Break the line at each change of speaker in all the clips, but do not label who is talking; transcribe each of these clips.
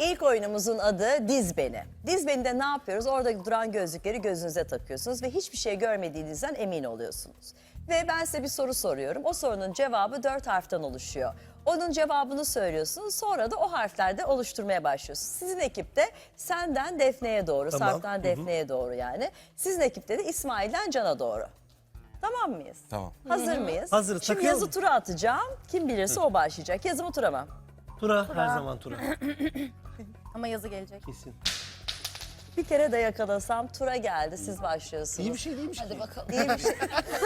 ilk oyunumuzun adı Diz Beni. Diz Beni'de ne yapıyoruz? Orada duran gözlükleri gözünüze takıyorsunuz ve hiçbir şey görmediğinizden emin oluyorsunuz. Ve ben size bir soru soruyorum. O sorunun cevabı 4 harften oluşuyor. Onun cevabını söylüyorsunuz. Sonra da o harflerde oluşturmaya başlıyorsunuz. Sizin ekipte senden Defne'ye doğru, Sarp'tan Defne'ye doğru yani. Sizin ekipte de İsmail'den Can'a doğru. Tamam mıyız?
Tamam.
Hazır mıyız?
Hazırız,
Şimdi
takıyorum.
yazı tura atacağım. Kim bilirse o başlayacak. Yazı mı tura mı?
Tura, her zaman tura.
Ama yazı gelecek.
Kesin.
Bir kere de yakalasam tura geldi. Siz başlıyorsunuz.
İyi bir şey değilmiş.
Hadi bakalım.
İyi bir şey.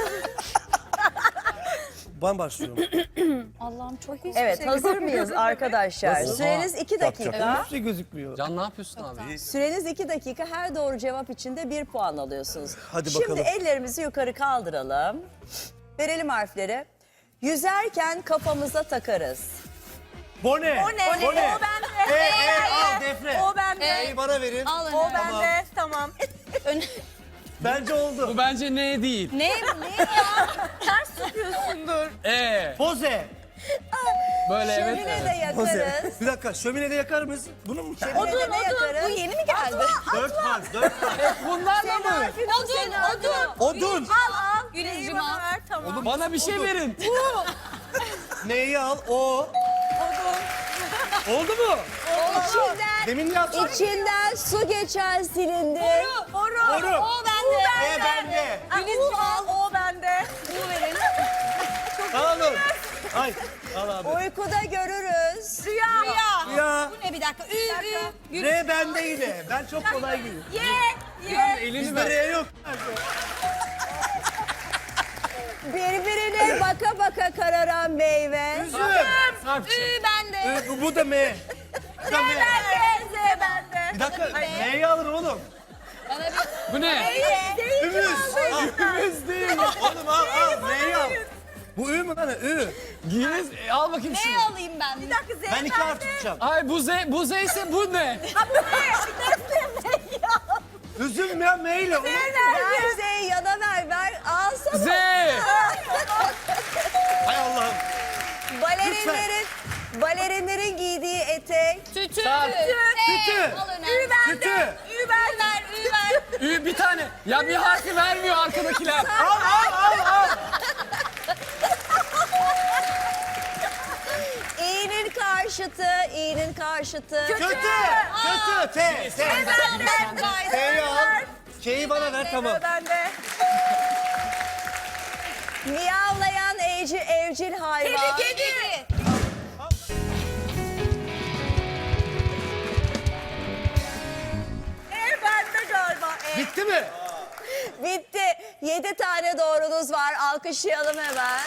Ben başlıyorum.
Allah'ım çok iyi.
Evet, hazır mıyız arkadaşlar?
Nasıl?
Süreniz 2 dakika.
Hiçbir şey gözükmüyor.
Can ne yapıyorsun abi?
Süreniz 2 dakika. Her doğru cevap için de 1 puan alıyorsunuz.
Hadi
Şimdi
bakalım.
ellerimizi yukarı kaldıralım. Verelim harfleri. Yüzerken kafamıza takarız.
Bone.
O bende.
Al Defne.
O bende.
E'yi bana verin.
Al
Tamam.
bende. Tamam.
Bence oldu.
Bu bence ne değil.
Ne ya? Ters yapıyorsundur.
Poze.
Böyle evet.
Şömine de
Poze.
yakarız.
Bir dakika, şöminede yakar mısın? Bunu mu?
Şömine de yakarız.
Bu yeni mi geldi?
4 harf, 4 harf.
Bunlarla mı?
Odun.
Al. Güneş'cim al. Tamam.
Bana bir şey verin.
Neyi al? O. Oldu mu?
İçinden,
Demin yaptım.
içinden su geçen silindir.
Boru.
Boru.
O bende.
E bende.
Güneş'cim al. O bende. Bu verin.
Al oğlum. Ay, al abi.
Uykuda görürüz.
Rüya.
Ya.
Bu ne bir dakika? Ü.
R bende yine. Ben çok kolay gidiyorum.
Elini
Bizde
ver.
R yok.
Birbirine baka baka kararan meyve.
Üzüm.
Sarpçı.
Bende.
Bu da M. Bu da M.
Z bende.
Bir dakika, M'yi alın oğlum.
Bu ne?
Ümüz. Ümüz değil. Oğlum al, M'yi al. Bu Ü mü lan? Ü.
Giyiniz. Al bakayım şunu.
alayım ben? Bir dakika Z
Ben 2 harf tutacağım.
Ay bu Z ise bu ne?
Üzüm ya M ile.
Ver Z'yi yana ver. Alsana.
Z.
Hay Allah'ım.
Balerinlerin giydiği etek.
Tütü.
Sarp.
Tütü.
Al önemli.
Tütü.
Ü ver.
Ü bir tane. Ya bir harfi vermiyor arkadakiler.
Al.
İyinin karşıtı, iyinin karşıtı.
Kötü. T. T'yi al. K'yi bana ver, tamam.
Bende.
Miyavlayan evcil hayvan.
Kedi. Bende galiba.
Bitti mi?
Bitti. 7 tane doğrunuz var. Alkışlayalım hemen.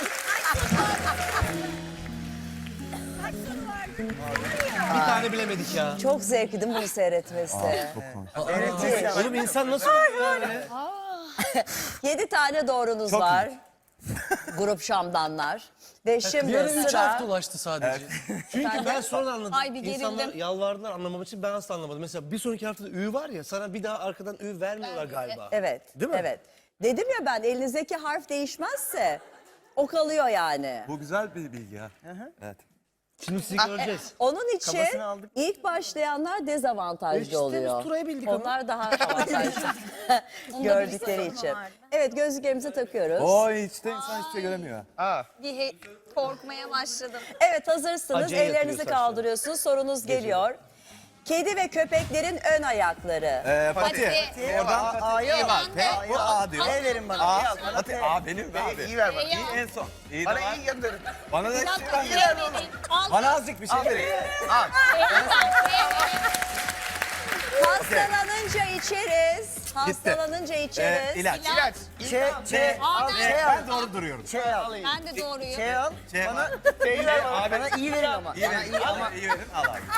Bir tane bilemedik ya.
Çok zevkli değil mi bunu seyretmesi?
Oğlum insan nasıl oluyor böyle?
7 tane doğrunuz var. Grup şamdanlar. Ve şimdi
Yarın 3
sıra...
harf dolaştı sadece.
Çünkü ben sonra anladım.
Ay, bir gerildim.
İnsanlar yalvardılar anlamam için, ben asla anlamadım. Mesela bir sonraki haftada Ü var ya, sana bir daha arkadan Ü vermiyorlar galiba.
Evet.
Değil mi?
Evet. Dedim ya ben, elinizdeki harf değişmezse o kalıyor yani.
Bu güzel bir bilgi ha. Evet.
Şimdi sizi göreceğiz.
Onun için
Kabasını aldık.
ilk başlayanlar dezavantajlı
İşte biz
oluyor.
Turay'ı bildik ama.
Onlar daha avantajlı gördükleri için. Evet, gözlüklerimizi takıyoruz.
O işte insan hiçbir şey göremiyor.
Korkmaya başladım.
Evet, hazırsınız.
Acele yapıyor
Ellerinizi
saçlar.
kaldırıyorsunuz. Sorunuz geliyor. Kedi ve köpeklerin ön ayakları.
Pati. Oradan
A'yı al.
O A diyor.
E verin bana.
A.
E al. Bana
Pati
T.
A benim be abi.
İyi ver bana.
İyi en son. İyi de
Bana
var.
iyi gönderin.
Bana da
Bir
şey
dakika.
ver. Bana azıcık bir şey verin.
Hastalanınca içeriz. Hastalanınca içeriz.
İlaç.
İlaç. Ç al.
Ben doğru duruyorum.
Ç al.
Ben de doğruyum.
Ç al.
Şey
Bana
var.
T'yi ver bana.
Abi.
Bana iyi verin ama.
İyi
Bana
verin.
iyi ama.
İyi verin. Al abi.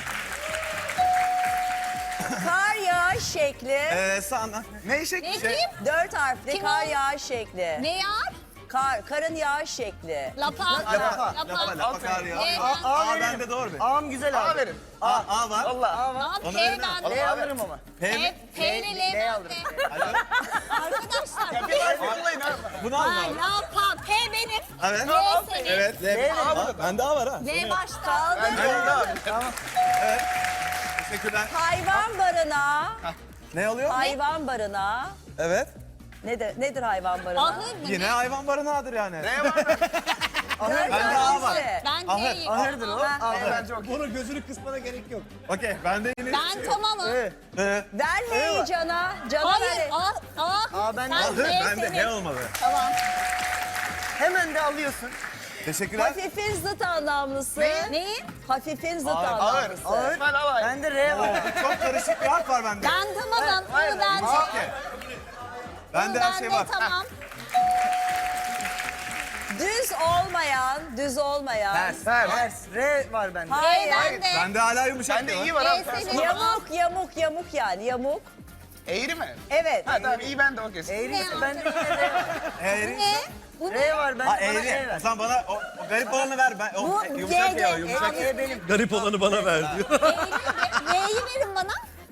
Kar yağış şekli.
Sana. Ne şekli?
Ne diyeyim?
4 harfli
Kim
kar
o?
yağış şekli.
Ne yar?
Karın yağış şekli.
Lapa.
Lapa kar ya.
A
A
verin.
bende doğru be.
A'm güzel abi. A verin.
A var.
Valla A var.
Lan
Onu
P
verin
bende.
L alırım ama.
P mi?
P ile L
L
bende.
alırım.
Arkadaşlar.
Bunu alın abi.
Lapa. P benim.
Evet.
L senin.
Evet. L. Bende A var ha.
L başta.
Kaldı.
Teşekkürler.
Hayvan barınağı.
Ne oluyor?
Hayvan barınağı.
Evet.
Nedir hayvan barınağı?
Ahır mı?
Yine hayvan barınağıdır yani.
Ne var?
Dört
Bende A var.
tanesi.
Ben
Ahır.
D'yim.
Ahırdır o.
Ha,
Ahır bence okey.
Bunun gözünü kısmana gerek yok.
Okey, bende yine
Ben tamamım.
Ver H'yi Can'a. Can'a
Hayır.
ver.
Aa, ben de
Sen
Ahır,
D
bende
senin.
H olmalı.
Tamam.
Hemen de alıyorsun.
Teşekkürler.
Hafifin zıt anlamlısı.
Neyi?
Hafifin zıt
Ağır,
anlamlısı.
Ağır. Ben alayım. Bende R var.
Çok karışık bir harf var bende.
Ben tamamım.
Hayır,
Bunu bence.
Okey. Bende her şey var.
Tamam.
Düz olmayan.
Ters. R var bende.
Hayır.
Ben de.
Bende hala yumuşak
Bende
diyor.
iyi var
D
abi.
senin.
Yamuk yani yamuk.
Eğri mi?
Evet.
Ha tamam iyi ben de okey. Eğri
Ne
ise bende yine R var.
Eğri.
Ne? Bu ne?
R var bende
Ha
bana E
eğri.
ver.
O zaman bana o garip olanı ver. Ben, o,
Bu
yumuşak
G'de.
ya o yumuşak.
E benim.
Garip olanı bana ver diyor.
Y'yi verin bana.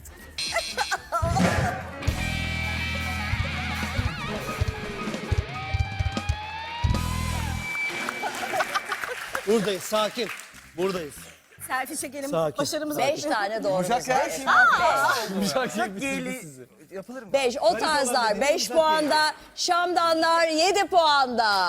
Buradayız, sakin. Buradayız.
Selfie çekelim.
Sakin.
Başarımız
5 tane doğrumuz
Yumuşak ya.
var.
Çok geyli yapılır mı?
5. O tarzlar 5 puanda. Şamdanlar 7 puanda.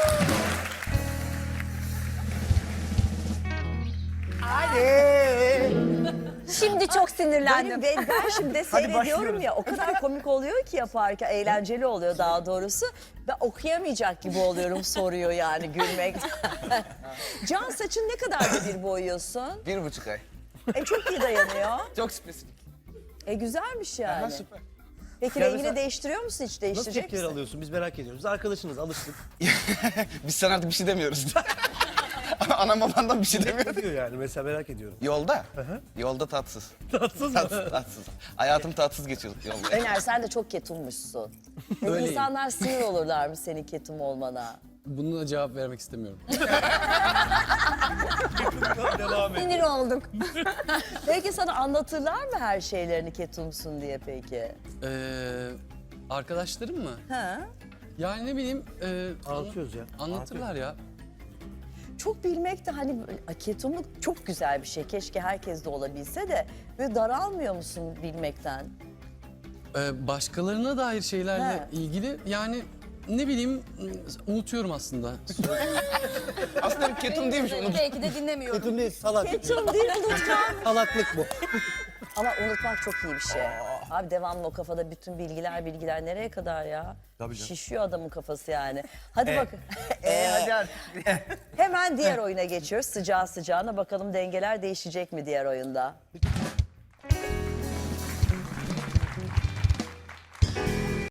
Şimdi çok sinirlendim.
Ben şimdi seyrediyorum
başlıyoruz.
ya, o kadar komik oluyor ki yaparken, eğlenceli oluyor daha doğrusu. Ben okuyamayacak gibi oluyorum soruyor yani gülmekten. Can, saçın ne kadarda bir boyuyorsun?
1,5 ay.
Çok iyi dayanıyor.
Çok spesifik.
Güzelmiş yani.
Süper.
Peki
Ya
rengini
mesela-
değiştiriyor musun, hiç
Nasıl
değiştirecek
tepkiler
misin?
alıyorsun? Biz merak ediyoruz. Biz arkadaşınız, alıştık.
Biz sana artık bir şey demiyoruz. Anam babandan bir şey
Ne
demiyor.
diyor yani? Mesela merak ediyorum.
Yolda? Yolda tatsız.
Tatsız mı?
Tatsız. Hayatım tatsız geçiyor yolda.
Öner, sen de çok ketummuşsun. İnsanlar sinir olurlar mı senin ketum olmana?
Bununla cevap vermek istemiyorum.
Devam et.
Sinir olduk.
Peki sana anlatırlar mı her şeylerini ketumsun diye peki?
Arkadaşlarım mı?
Ha?
Yani ne bileyim
Anlatıyoruz ya.
anlatırlar ya.
Çok bilmek de hani ketumluk çok güzel bir şey. Keşke herkes de olabilse de böyle daralmıyor musun bilmekten?
Başkalarına dair şeylerle
He.
ilgili yani ne bileyim unutuyorum aslında.
Aslında bir ketum değilmiş onu.
Belki de dinlemiyorum.
Ketum değil, salak.
Ketum değil, unutmak.
Salaklık bu.
Ama unutmak çok iyi bir şey. Abi devamlı o kafada bütün bilgiler nereye kadar ya?
Tabii canım.
Şişiyor adamın kafası yani. Hadi bak.
Hadi artık.
Hemen diğer oyuna geçiyoruz. Sıcağı sıcağına bakalım dengeler değişecek mi diğer oyunda?